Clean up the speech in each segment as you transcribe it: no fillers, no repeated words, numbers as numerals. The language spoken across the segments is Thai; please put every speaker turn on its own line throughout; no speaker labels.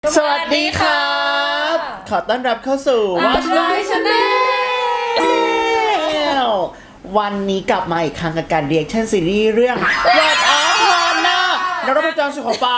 สวัสดีครับขอต้อนรับเข้าสู่
Watch My
Channel วันนี้กลับมาอีกครั้งกับการเรียกชั่นซีรีส์เรื่อง What of Honor นักรบประจำสุขฟ้า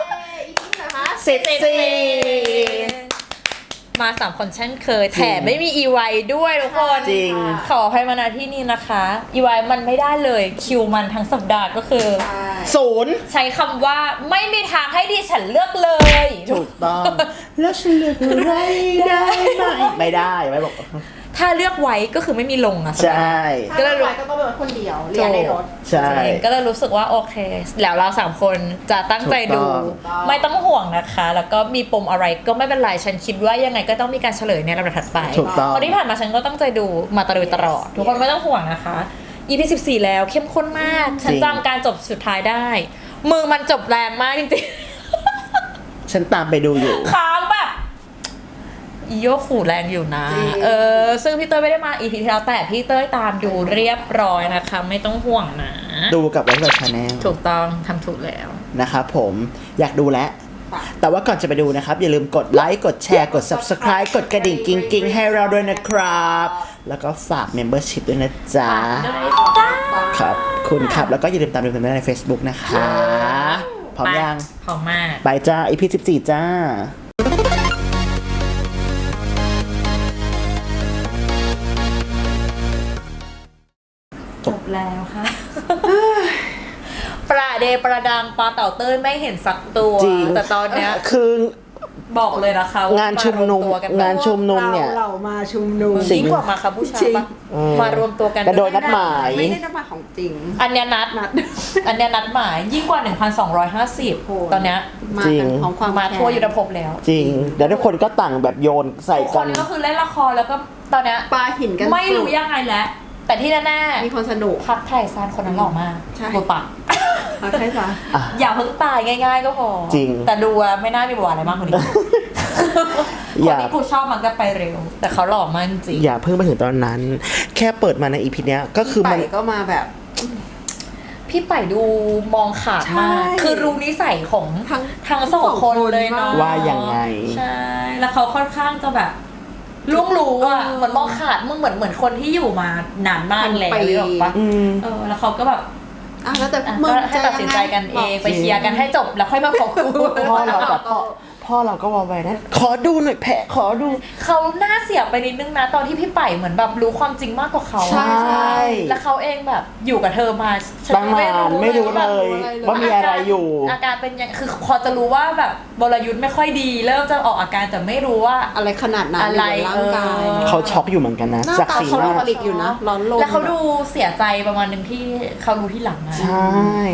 14
มา3 คนเช่นเคยแถมไม่มีอีไวด้วยทุกคน
จริง
ขออภัยมาณที่นี่นะคะอีไวมันไม่ได้เลยคิวมันทั้งสัปดาห์ก็คือ
0
ใช้คำว่าไม่มีทางให้ดิฉันเลือกเลย
ถูกต้อง แล้วฉันเลือกอะไรได้ไหมไม่ได้ไม่บอก
ถ้าเลือกไว้ก็คือไม่มีลงอะ
ใช่
ก็เลยก็ต้องเป็นคนเดียวเรียนในรถ
ใช่
ก็เลยรู้สึกว่าโอเค แล้วเรา3 คนจะตั้งใจดู
ถูกต้อง
ไม่ต้องห่วงนะคะ แล้วก็มีปมอะไรก็ไม่เป็นไรฉันคิดว่ายังไงก็ต้องมีการเฉลยในลำดับถัดไป
ถูกต้อง
เพราะที่ผ่านมาฉันก็ตั้งใจดูมาตลอดทุกคนไม่ต้องห่วงนะคะ EP 14แล้วเข้มข้นมากฉันจำการจบสุดท้ายได้ มือมันจบแรงมากจริงๆ
ฉันตามไปดูอยู่
ค้างแบบอีโยขู่แรงอยู่นะซึ่งพี่เต้ยไม่ได้มา EP ที่แล้วแต่พี่เต้ยตามดูเรียบร้อยนะคะ ไม่ต้องห่วงนะ
ดูกับWatch My Channel
ถูกต้องทำถูกแล้ว
นะครับผมอยากดูแล้ว แต่ว่าก่อนจะไปดูนะครับ อย่าลืมกดไลค์กดแชร์กด Subscribe กดกระดิ่งกิ๊งๆให้เราด้วยนะครับ แล้วก็ฝาก Membership ด้วยนะจ๊ะครับคุณครับ แล้วก็อย่าลืมตามดูกันได้ใน Facebook นะคะพร้อมยัง
พร้อมมาก
ไปจ้า EP 14 จ้า
จบแล้วค่ะ ประเดประดังปลาเต่าเต้ยไม่เห็นสักตัว
จริง
แต่ตอนเนี้ย
คือ
บอกเลยนะคะว่
งานชุมนุม
ารวตัวกัน
งานชุมนุมเนี่ย
เรามาชุมนุม
ยิ่งกว่ามาค่ะผู้ชายปะมารวมตัวกัน
กระโดดนัดหมาย
ไม่ได้นัดหมายของจริง
อันเนี้ยนัด อันเนี้ยนัดหมายยิ่งกว่า 1,250 ตอนเนี้ย
มา
จริง
กันของความ
มาทั่วยุทธภพแล้ว
จริงเดี๋ยวทุกคนก็ต่างแบบโยนใส่
ทุกค
กัน
นก็คือเล่นละครแล้วก็ตอนเนี้ย
ปลาหินกัน
ไม่รู้ยังไงแล้ว แต่ที่แน่
มีคนสนุก
ๆพักไทยซานคนนั้นหล่อมาก
ใช่
โบปะ
ใช่ปะ
อย่าเพิ่งตายง่ายๆก็พอ
จริง
แต่ดูอะไม่น่ามีบทอะไรมากกว่านี้ ค
อน ย่า
ที่กูชอบมันก็ไปเร็ว แต่เขาหล่อมากจริง
อย่าเพิ่งไปถึงตอนนั้น แค่เปิดมาใน EP เนี้ยก็คือ
ไป
มัน
ก็มาแบบ
พี่ไปดูมองขาดมาก
ใช่
คือรู้นิสัยของ
ทั้ง
สองคนเลยเนาะ
ว่ายังไง
ใช่ แล้วเขาค่อนข้างจะแบบล่วงรู้อะเหมือนมองขาดมึงเหมือนคนที่อยู่มานานมากแล้วหรือเปล่าปะ
อืม
แล้วเขาก็แบบ
แล้วแต่
อ่ะ
มึง
ก็ให้ตัดสินใจกันเองไปเคลียร์กันให้จบแล้วค่อยมาบอกกู
พ่อเราแบบพ่อเราก็วอลไว้นะขอดูหน่อยแพะขอดู
เขาหน้าเสียไปนิดนึงนะตอนที่พี่ไปเหมือนแบบรู้ความจริงมากกว่าเขา
ใช่
แล้วเขาเองแบบอยู่กับเธอมาฉัน
ตั้งนานไม่รู้เลย ว่ามีอะไรอยู่
อาการเป็นยังคือพอจะรู้ว่าแบบบรยุทธ์ไม่ค่อยดี เริ่มจะออกอาการแต่ไม่รู้ว่า
อะไรขนาดนั้น
อะไร
ยู่ในร่างกาย
เขาช็อกอยู่เหมือนกันนะ
หน้า
จาก
ตา
สี
เขา
ห
ดู
น้า
ผลิตอยู่นะร้อนลม
แล้วเขาดูเสียใจประมาณหนึ่งที่เขารู้ที่หลังอะ
ใช่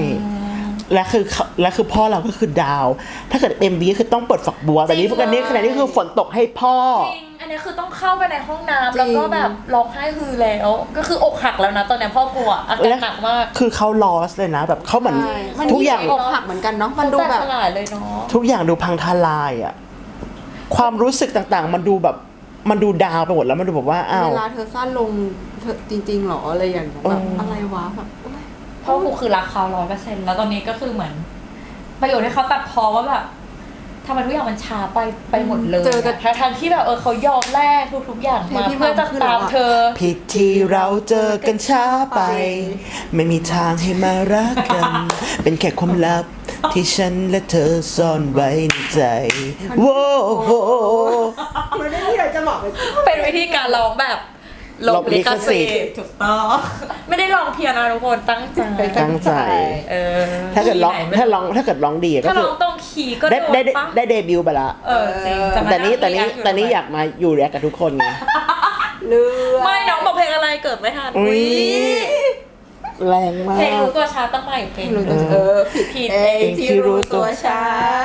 และคือพ่อเราก็คือดาว ถ้าเกิด MV ก็คือต้องเปิดฝักบัวแต่นี้พวกนี้ขณะนี้คือฝนตกให้พ่อ
จริงอันนี้คือต้องเข้าไปในห้องน้ำแล้วก็แบบร้องไห้ฮือแล้ว ก็คืออกหักแล้วนะตอนนี้พ่อกลัวอาการหนักมาก
คือเขาลอสเลยนะ แบบเขาเหมือน
ใช่มัน
ทุกอย่าง
อกหักเหมือนกันเนาะมันดูแบบ
ฉลาดเลยเนาะ
ทุกอย่างดูพังทลายอ่ะความรู้สึกต่างๆ มันดูแบบมันดูดาวไปหมดแล้วมันดูแบบว่าอ้าว
เวลาเธอสั้นลงเธอจริงๆหรออะไรอย่างเงี้ยแบบอะไรวะแบบโอ๊ย
เพราะกูคือรักเขา100%แล้วตอนนี้ก็คือเหมือนประโยชน์ที่เขาตัดพอว่าแบบทำไมทุกอย่างมันช้าไปหมดเลย
เจอกัน
ทั้งที่แบบเขายอมแลกทุกๆอย่างมา
ที่
เพื่อจะ
คือ
ตาม
เราอะ
เธอ
ผิดที่เราเจอกันช้าไป ไม่มีทางให้มารักกัน เป็นแค่ความลับที่ฉันและเธอซ่อนไว้ในใจโว้โห
มันไม่มีอะไรจะบอกเลย
เป็นวิธีการร้องแบบลบลิขสิท
ลบลิขสิทธิ์
ธิ์ถูกต้อง ไม่ได้ร้องเพียงนะทุกคนตั้งใจ
ตั้งใจ ถ้าเกิดร้องถ้าเกิดร้องดีก็
ถ้า
คื
ร้
อ
องตรงคีย์ก็
ได้
โดน
ได้
ปะ
ได้เดบิวต์ไปละ
จริงจะมา
แต่นี้
นั่ง react
อยากมาอยู่แรกกับทุกคนไง
เลือ
ไม่น้องบอกเพลงอะไรเกิดไม่ทัน
อุ๊ย แรงมา
เพลง
ก
รู้ตัวช้าตั้งใหม่เพลง
รู้ตัวผิดเองที่รู้ตัวช้า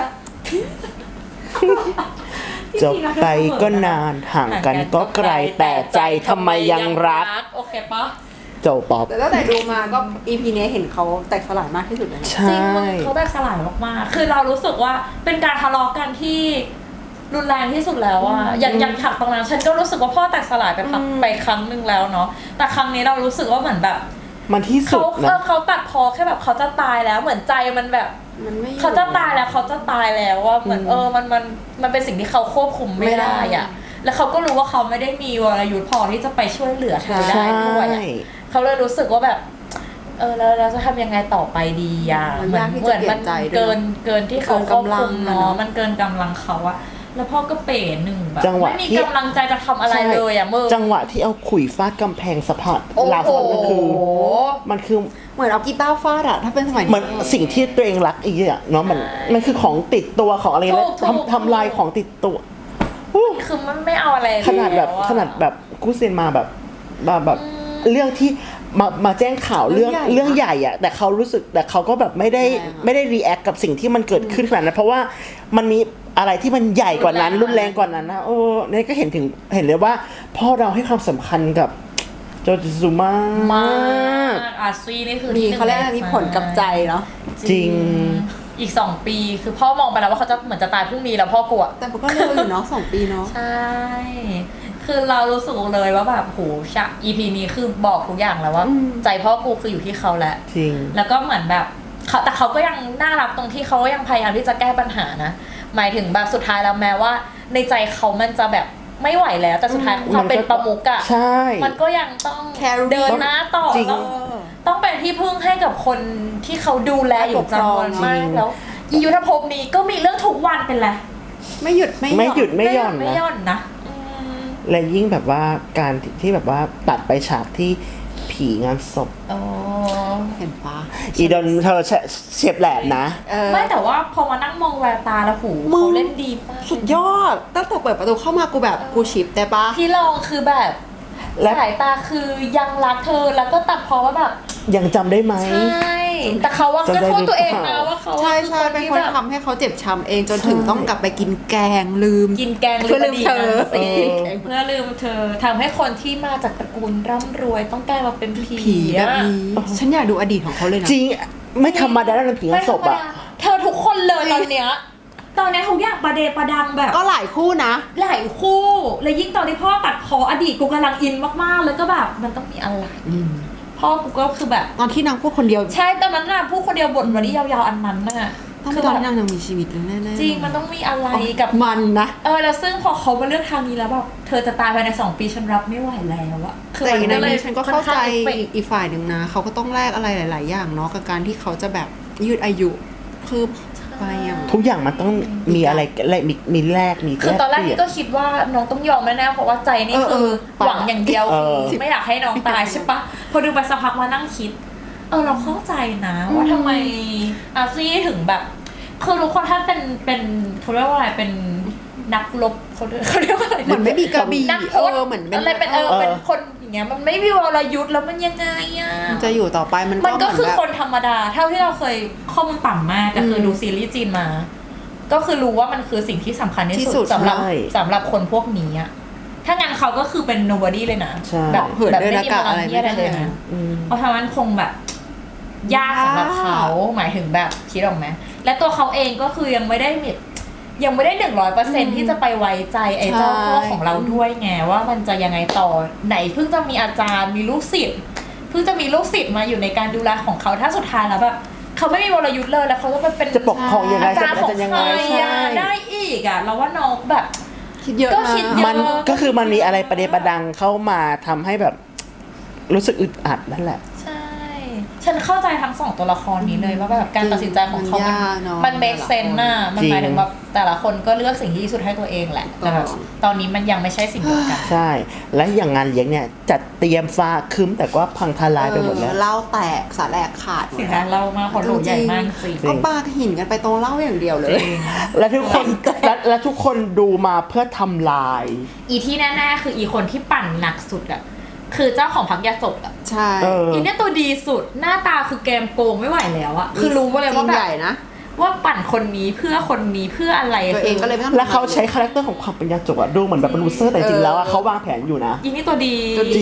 จบไปก็นานห่างกันก็ไกลแต่ใจทำไมยังรัก
โอเคปะ
โจป๊อป
แต่ตั้งแต่ดูมาก็ EP นี้เห็นเขาแตกสลายมากที่สุดเลยนะ
ใช
จริงมึง่ เขาแตกสลายมากๆคือเรารู้สึกว่าเป็นการทะเลาะกันที่รุนแรงที่สุดแล้วอะอย่างฉากตรงนั้นฉันก็รู้สึกว่าพ่อแตกสลายไปครั้งหนึ่งแล้วเนาะแต่ครั้งนี้เรารู้สึกว่าเหมือนแบบ
มันที่สุดนะ
เขาตัดพอแค่แบบเขาจะตายแล้วเหมือนใจมันแบบ
มันไม่อยู่
เขาจะตายแล้วเขาจะตายแล้วว่าเหมือนมันเป็นสิ่งที่เขาควบคุมไม่ได้อ่ะแล้วเขาก็รู้ว่าเขาไม่ได้มีวรยุทธ์พอที่จะไปช่วยเหลือเธอได้ด้วยอะเขาเลยรู้สึกว่าแบบแล้วเราจะทำยังไงต่อไปดีอ่ะเหมือนมันเกินที่เขาควบคุมเนาะมันเกินกำลังเขาอะแล้วพ่อก็เป๋หนึ่งแบบไม่มีกำลังใจจะทำอะไรเลยอ่ะมึง
จังหวะที่เอาขุยฟาดกำแพงสะพานราวสะพานมันคือ
เหมือนเอากีตาร์ฟาดอะถ้าเป็นสมัยนี้
เหมือนสิ่งที่ตัวเองรักอีกอย่างเนาะมันคือของติดตัวของอะไรนะทำลายของติดตัว
คือมันไม่เอาอะไร
ขนาดแบบกู้เซนมาแบบเรื่องที่มาแจ้งข่าวเรื่องใหญ่อะแต่เขารู้สึกแต่เขาก็แบบไม่ได้รีแอคกับสิ่งที่มันเกิดขึ้นขนาดนั้นเพราะว่ามันมีอะไรที่มันใหญ่กว่านั้นรุนแรงกว่านั้นนะนี่ก็เห็นเลยว่าพ่อเราให้ความสำคัญกับโจจิซุมาก
อาซีนี่คือ
มีเขาเรียกมีผลกับใจเนาะ
จริง
อีก2 ปีคือพ่อมองไปแล้วว่าเขาจะเหมือนจะตายพรุ่งนี้แล้วพ่อกลัว
แต่ก็เร็วอยู่เนาะ2 ปีเนาะ
ใช่คือเรารู้สึกเลยว่าแบบโหEP นี้คือบอกทุกอย่างแล้วว่าใจพ่อกูคืออยู่ที่เขาแหละ
จริง
แล้วก็เหมือนแบบแต่เขาก็ยังน่ารักตรงที่เขายังพยายามที่จะแก้ปัญหานะหมายถึงแบบสุดท้ายแล้วแม้ว่าในใจเขามันจะแบบไม่ไหวแล้วแต่สุดท้ายความเป็นประมุขอะมันก็ยังต้องเดินหน้าต่อต้องเป็นที่พึ่งให้กับคนที่เขาดูแลอยู่จำนวนมากแล้วยุทธภพนี้ก็มีเรื่องทุกวันเป็นไร
ไม่หยุดไม่หย่อน
นะ
และยิ่งแบบว่าการที่แบบว่าตัดไปฉากที่ผีงานศพ
เห็นปะ
อีดอนเธอเฉียบแหลมนะ
ไม่แต่ว่าพอมานั่งมองแววตาแล้วหูเขาเล่นดีมาก
สุดยอดตั้งแต่เปิดประตูเข้ามากูแบบกูชิปแต่ปะ
พี่ลองคือแบบสายตาคือยังรักเธอแล้วก็ตัดพอว่าแบบ
ยังจำได้ไหม
ใช่แต่เขาว่าก็โทษตัวเองนะว่าเขา
ใช่เป็นคนทำให้เขาเจ็บช้ำเองจนถึงต้องกลับไปกินแกงลืม
เพื่อลืมเธอเพื่อลืมเธอทำให้คนที่มาจากตระกูลร่ำรวยต้องกลายมาเป็นผี
แบบนี้ฉันอยากดูอดีตของเขาเลยนะ
จริงไม่ธรรมดาแล้วผีศพอะ
เธอทุกคนเลยตอนเนี้ยทุกอย่างประเดประดังแบบ
ก็หลายคู่นะ
หลายคู่และยิ่งตอนที่พ่อตัดพออดีตกูกำลังอินมากๆแล้วก็แบบมันต้องมีอะไรพ่อกูก็คือแบบ
ตอนที่นางพูดคนเดียว
ใช่ตอนนั้นน่ะพูดคนเดียวบทวันนี้ยาวๆอันนั้นน่ะ
คือตอนที่นางยังมีชีวิตเลยแน่
ๆจริงมันต้องมีอะไรกับ
มันนะ
แล้วซึ่งพอเขามาเลือกทางนี้แล้วแบบเธอจะตายภายใน2 ปีฉันรับไม่ไหวแล้วอะ
แต่ในนี้ฉันก็เข้าใจอีกฝ่ายหนึ่งนะเขาก็ต้องแลกอะไรหลายๆอย่างเนาะกับการที่เขาจะแบบยืดอายุคือ
ทุกอย่างมันต้องมีอะไรมีแลกมี
คือตอนแรกนี่ก็คิดว่าน้องต้องยอมแน่ๆเพราะว่าใจนี่คือหวังอย่างเดียวไม่อยากให้น้องตายใช่ปะพอดูไปสักพักมานั่งคิดเราเข้าใจนะว่าทำไมอาซี่ถึงแบบคือทุกคนถ้าเป็นเขาเรียกว่าอะไรเป็นนักรบเขาเรียกว่าอะไร
เหมือนไม่มีกระบี่
นักพจน์
เหมือน
อะไรเป็นเป็นคนอย่างเงี้ยมันไม่มีวรยุทธ์แล้วมันยังไงอ่ะ
จะอยู่ต่อไป
มันก็คือคนธรรมดาเท่าที่เราเคยข้อมูลต่ำมากก็คือดูซีรีส์จีนมาก็คือรู้ว่ามันคือสิ่งที่สำคัญที่สุดสำหรับคนพวกนี้อ่ะถ้างั้นเขาก็คือเป็น nobody เลยนะ
แบบไม่มีพลัง
ที่อะไรเลยนะเพราะฉะนั้นคงแบบยากสำหรับเขาหมายถึงแบบคิดออกไหมและตัวเขาเองก็คือยังไม่ได้100%ที่จะไปไว้ใจไอ้เจ้าพ่อของเราด้วยไงว่ามันจะยังไงต่อไหนเพิ่งจะมีอาจารย์มีลูกศิษย์เพิ่งจะมีลูกศิษย์มาอยู่ในการดูแลของเขาถ้าสุดท้ายแล้วแบบเขาไม่มีวรยุทธ์เลยแล้วเขาจะเป็น
จะปกครองยังไง
อาจารย์ของใครได้อีกอ่ะเราว่าน้องแบบ
คิดเยอะ
มันก็คือมันมีอะไรประเดประดังเข้ามาทำให้แบบรู้สึกอึดอัดนั่นแหละ
ฉันเข้าใจทั้ง2ตัวละครนี้เลยว่าแบบการตัดสินใจของเขามัน make sense น่ะมันหมายถึงแบบแต่ละคนก็เลือกสิ่งที่ดีสุดให้ตัวเองแหละแต่แบบตอนนี้มันยังไม่ใช่สิ่งเดียวกัน
ใช่และอย่างงานเลี้ยงเนี่ยจัดเตรียมฟ้าคึ้มแต่ก็พังทลายไปหมดแล้ว
เล่าแตกสาแหลกขาด
สิ่งนั้นเล่ามากคนหลุดใหญ่มากจริง
ก็ปาหินกันไปตรงเล่าอย่างเดียวเลย
และทุกคนดูมาเพื่อทำลาย
ที่แน่ๆคือคนที่ปั่นหนักสุดอะคือเจ้าของพักยาจกอ่ะ
ใช่
เนี่ยตัวดีสุดหน้าตาคือแกมโกงไม่ไหวแล้วอ่ะคือรู้เลยว่าแบบว่าปั่นคนนี้เพื่อคนนี้เพื่ออะไร
ตัวเองก็เลยไม่ต้อง
แล้วเขาใช้คาแรคเตอร์ของความเป็นยาจกอ่ะดูเหมือนแบบเป็นลูเซอร์แต่จริงแล้วอ่ะเขาวางแผนอยู่นะ
นี่ตัวดี
จ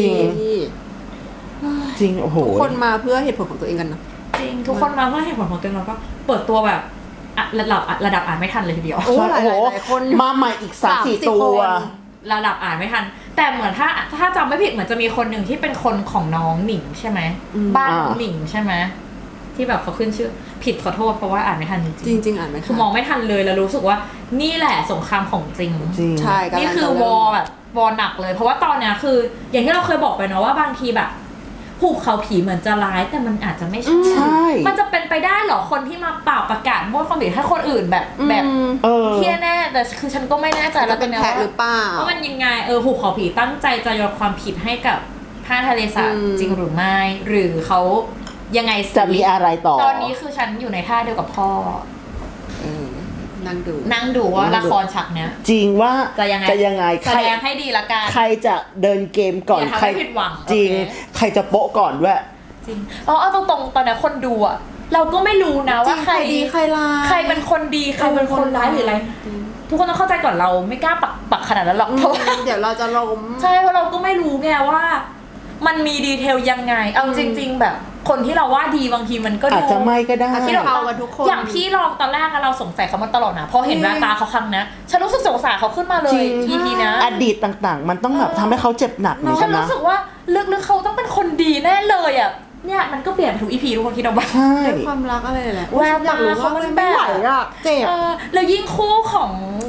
ริงโอ้โห
ทุกคนมาเพื่อเหตุผลของตัวเองกันนะ
จริงทุกคนมาเพื่อเหตุผลของตัวเองแล้วก็เปิดตัวแบบระดับอ่านไม่ทันเลยทีเดียว
โอ้หลายคน
มาใหม่อีก 3-4 ตัว
ระดับอ่านไม่ทันแต่เหมือนถ้าจำไม่ผิดเหมือนจะมีคนหนึ่งที่เป็นคนของน้องหนิงใช่ไหมบ้านหนิงใช่ไหมที่แบบเขาขึ้นชื่อผิดขอโทษเพราะว่าอ่านไม่ทันจริง
จริงๆอ่านไม่ทัน
คือมองไม่ทันเลยแล้วรู้สึกว่านี่แหละสงครามของจริง
จริง
ใช่กำลัง
นี่คือ
จะ
ว
เริ่
อ
ม
ร์แบบวอร์หนักเลย เพราะว่าตอนเนี้ยคือ อย่างที่เราเคยบอกไปเนาะว่าบางทีแบบหุบเขาผีเหมือนจะร้ายแต่มันอาจจะไม่ใช่
ใช่
มันจะเป็นไปได้เหรอคนที่มาเป่าประกาศโทษความผิดให้คนอื่นแบบแบบ
เออ
เที่ยแน่แต่คือฉันก็ไม่แน่ใจ
จะ
แล้ว
เป็น
ย
แพะหรือเปล่า
ว่ามันยังไงหุบเขาผีตั้งใจจะยกความผิดให้กับผ้าทะเลสาบจริงหรือไม่หรือเขายังไงสิ
จะมีอะไรต่อ
ตอนนี้คือฉันอยู่ในท่าเดียวกับพ่อ
นั่งดู
นั่งดูว่าละครฉากเนี้ย
จริงว่า
จะยังไง
ใค
แส
ร
ดงให้ดีละกัน
ใครจะเดินเกมก่อน
อย่าทำ
ใคร
ให้ผิดหวัง
จริง
โอเค
ใครจะโป๊ะก่อนด้วย
จริงเอาตรงๆตอนนี้คนดูอะเราก็ไม่รู้นะว่า
จริง
ใคร
ดีใครร้าย
ใครเป็นคนดีใครเป็นคนร้ายหรืออะไร ทุกคนต้องเข้าใจก่อนเราไม่กล้าปักขนาดนั้นหรอกเพราะว่า
เดี๋ยวเราจะล้ม
ใช่เพราะเราก็ไม่รู้ไงว่า มันมีดีเทลยังไงเอาจริง ๆ แบบคนที่เราว่าดีบางทีมันก็ดู
อาจจะไม่ก็ได้
ที่เรา
เอากันทุกคน
อย่างพี่ลองตอนแรกอะเราสงสัยเขามาตลอดนะพอเห็นแววตาเขาครั้งนะฉันรู้สึกสงสารเขาขึ้นมาเล
จริ
ย
ง
EP นะ
อดีตต่างๆ มันต้องแบบทำให้เขาเจ็บหนักเหมือน
ฉั
กัน นนะ
รู้สึกว่าลึกๆเขาต้องเป็นคนดีแน่เลยอ่ะเนี่ยมันก็เปลี่ยนไปทุก EP ทุกคนคิดเอาบ้าง
ใช่
ด้วยความรักอะไรแหละ
แวว
อยากรู้
ตาเขา
ว่า
มั
มัน น
แบบ
ไม่ไหวอ่ะเจ็บ
แล้วยิ่งคู่ของ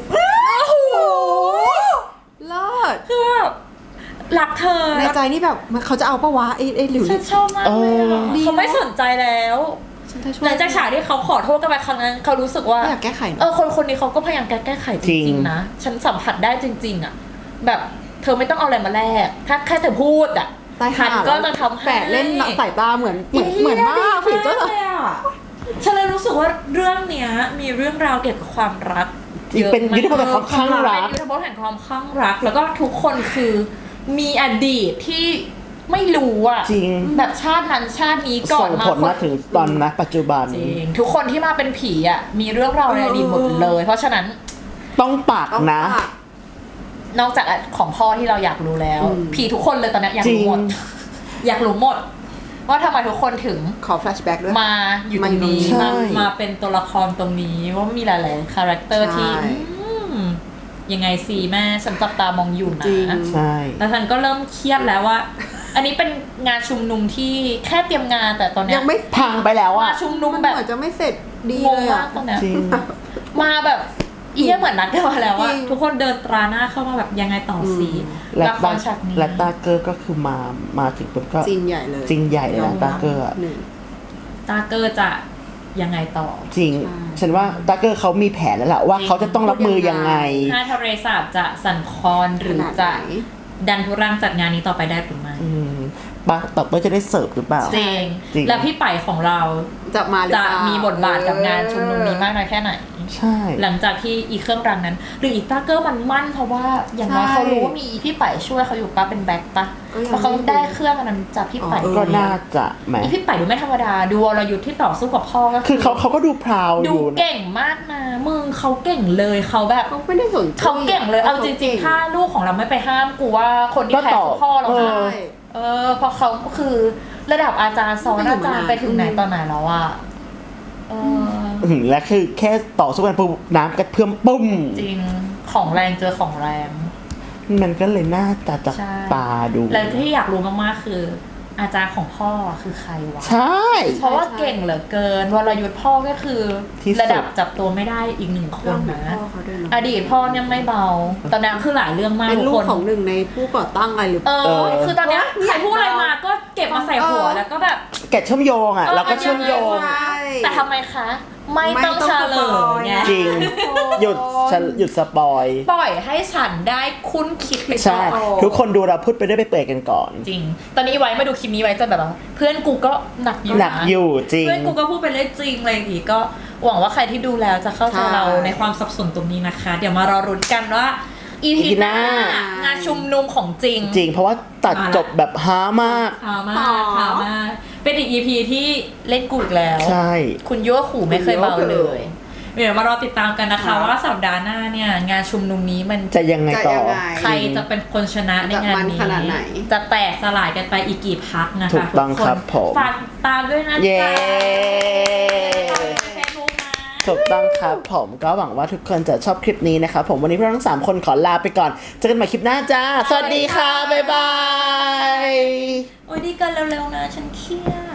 เลิศ
คือแบบรักเธอ
ในใจนี่แบบเขาจะเอาปะวะไอ้หลิว
ฉันชอบมากเลยอะ
ดี
เขาไม่สนใจแล้ว
ฉันจะช่วย
หลังจากฉากที่เขาขอโทษกันไปครั้งนั้นเขารู้สึกว่า
ไม่อยากแก้ไขนะ
คนนี้เขาก็พยายามแก้ไขจ
จริ
ริง
ง
ๆนะฉันสัมผัสได้จริง ๆอ่ะแบบเธอไม่ต้องเอาอะไรมาแลกถ้าแค่เธอพูดอ่ะ
ตาย
ฉั
ห่าน
ก็จะทำให้
แฝดเล่นสายตาเหมือนมากผิดก็
เลยอ่ะฉันเลยรู้สึกว่าเรื่องเนี้ยมีเรื่องราวเกี่ยวกับความรัก
จริงเป็นยุทธภพแห่งความคลั่งรัก
เป็นยุทธภพแห่งความคลั่งรัก แล้วก็ทุกคนคือมีอดีตที่ไม่รู้อ่ะ
จริง
แบบชาตินั้นชาตินี้ก่อ
ส่
น
ง
มา
ผลมาถึงตอนนะปัจจุบัน
จริงทุกคนที่มาเป็นผีอ่ะมีเรื่องราวในอดีตหมดเลย เพราะฉะนั้น
ต้องปากนะ
นอกจากของพ่อที่เราอยากรู้แล้ว ผีทุกคนเลยตอนเนี้ยอยากรู้หมด
จริง
อยากรู้หมด ว่าทำไมทุกคนถึง
ขอแฟลชแบ็กด้วย
มาอยู่ตรงนี้
ใช่
มาเป็นตัวละครตรงนี้ว่ามีหลายๆคาแรคเตอร์ที่
ใช่
ยังไงสิแม่ฉันจับตามองอยู่นะ
จริง
ใช่
แล้วฉันก็เริ่มเครียดแล้วว่า อันนี้เป็นงานชุมนุมที่แค่เตรียมงานแต่ตอนเนี้
ยังไม่
พังไปแล้ว
มา
อ่ะ
ชุมนุม
มัน
แบ
เห
บ
มือนจะไม่เสร็จดี
ง
เล
ง
ย
มา
อ่ะ
กตอนเนี้ย
จริง
มาแบบอีเหมือนนัดกันมาแล้วว่า
จริง
ทุกคนเดินตราหน้าเข้ามาแบบยังไงต่อสี
และ
ละครฉากนี้
และตาเกอร์ก็คือมาถึงปุ๊บก็
จริงใหญ่เลย
จริงใหญ่เลยนะตาเกอร์อะ
หนึ่ง
ตาเกอร์จะยังไงต่อ
จริง
ใช่
ฉันว่าตาเกอร์เขามีแผนแล้วแหละว่าเขาจะต้องรับมือยังไง
ถ้าทะเลสาบจะสั่นคลอนหรือจะ
ขนาดไหน
ดันทุรังจัดงานนี้ต่อไปได้หรือไม่
ปะต่อไปจะได้เสิร์ฟหรือเปล่า
จริง
จริง
แล้วพี่ไปของเรา
จะมาหรือ
จะ
เปล่า
มีบทบาทกับงานชุมนุมนี้มากน้อยแค่ไหน
ใช่
หลังจากที่อีเครื่องรังนั้น หรืออีตาเกอร์มันมั่นเพราะว่าอย่างน้อยเขารู้ว่ามีพี่ไปช่วยเขาอยู่ปะเป็นแบ็คปะเพราะเขาได้เครื่องอันนั้นจากพี่ไป
ก็น่าจะแหม
อีพี่ไปดูไม่ธรรมดาดูวรยุทธ์ที่ต่อสู้กับพ่อก็
คือเขาก็ดูพราวอ
ดู
ยู่นะ
เก่งมากนะมึงเขาเก่งเลยเขาแบบ
เขาไม่ได้สนใจ
เขาเก่งเลยเอาจริงๆถ้าลูกของเราไม่ไปห้ามกูว่าคนที่แพ้คือพ่อเรา
เอ
นะ
อ
เพราะเขาก็คือระดับอาจารย์สอนอาจารย์ไปถึงไหนตอนไหนแล้วอะ
และคือแค่ต่อสู้กันปุ๊บน้ำกระเพื่อมปุ้ม
จริงของแรงเจอของแรง
มันก็เลยน่าจะจับ
ใช่
ตาดู
แล้วที่อยากรู้มากๆคือ อาจารย์ของพ่อคือใครวะ
ใช่
เพราะว่าเก่งเหลือเกินวรยุทธ์พ่อก็คือ
ที่สุด
ระดับจับตัวไม่ได้อีกหนึ่งคนนะ
พ่อเขาด้วยเนอะ
อดีตพ่อเนี่ยไม่เบาตอนนั้นคือหลายเรื่องมาก
เป็นลู
ทุ
ก
คน
ของหนึ่งในผู้ก่อตั้งอะไรหรือเปล่า
คือตอนเนี้ยใครพูดอะไรมาก็เก็บมาใส่หัวแล้วก็แบบ
แกะเชื่อมโยงอ่ะ
เออ
เราก็เชื่อมโยง
ใช่
แต่ทำไมคะ ไม่ต้องเฉลยไง
จริง หยุดสปอย
ปล่อยให้ฉันได้คุ้นคิดไป
ใช่
ก่อน
ทุกคนดูเราพูดไปได้ไปเปิดกันก่อน
จริง ตอนนี้ไว้มาดูคลิปนี้ไว้จะแบบว่าเพื่อนกูก็หนักอยู่
หนักอยู่จริง
เพื่อนกูก็พูดไปเรื่อยจริงอะไรอย่างงี้ก็หวังว่าใครที่ดูแล้วจะเข้าใจเราในความสับสนตรงนี้นะคะ เดี๋ยวมารอรุ้นกันว่าอีพีหน้างานชุมนุมของจริง
จริงเพราะว่าตัดจบแบบฮามาก
หามากหามากเป็นอีก EP ที่เล่นกูอีกแล้ว
ใช่
คุณยั่วขู่ไม่เคยเบาเลย เดี๋ยวมารอติดตามกันนะคะว่าสัปดาห์หน้าเนี่ยงานชุมนุมนี้มัน
จะยังไงต่อ
จะยังไง
ใครจะเป็นคนชนะในงาน
จะมัน
นี้
ขนาดไหน
จะแตกสลายกันไปอีกกี่พักนะคะ
ถูกต้อง
ทุน
ครับผม
ฝากติดตามด้วยนะ
เย้
จ๊ะเฟซบุ๊กนะ
ถูกต้องครับผมก็หวังว่าทุกคนจะชอบคลิปนี้นะครับผมวันนี้พวกเราทั้ง3คนขอลาไปก่อนเจอกันใหม่คลิปหน้าจ้า สวัสดีค่ะ บ๊ายบาย
โอ้ยดีกันเร็วๆนะฉันเครียด